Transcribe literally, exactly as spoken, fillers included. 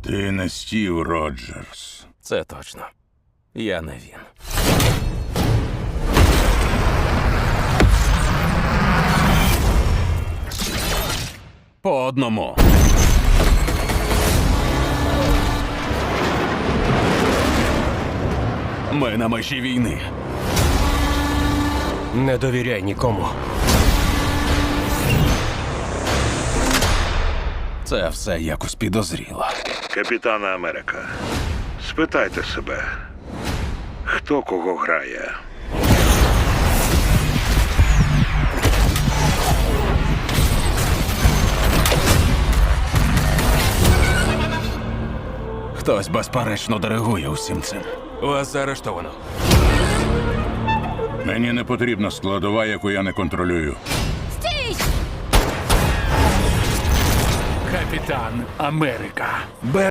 Ти не Стів Роджерс. Це точно. Я не він. По одному. Ми на межі війни. Не довіряй нікому. Це все якось підозріло. Капітана Америка, спитайте себе, хто кого грає? Хтось безперечно диригує усім цим. Вас заарештовано. Мені не потрібна складова, яку я не контролюю. Капітан Америка.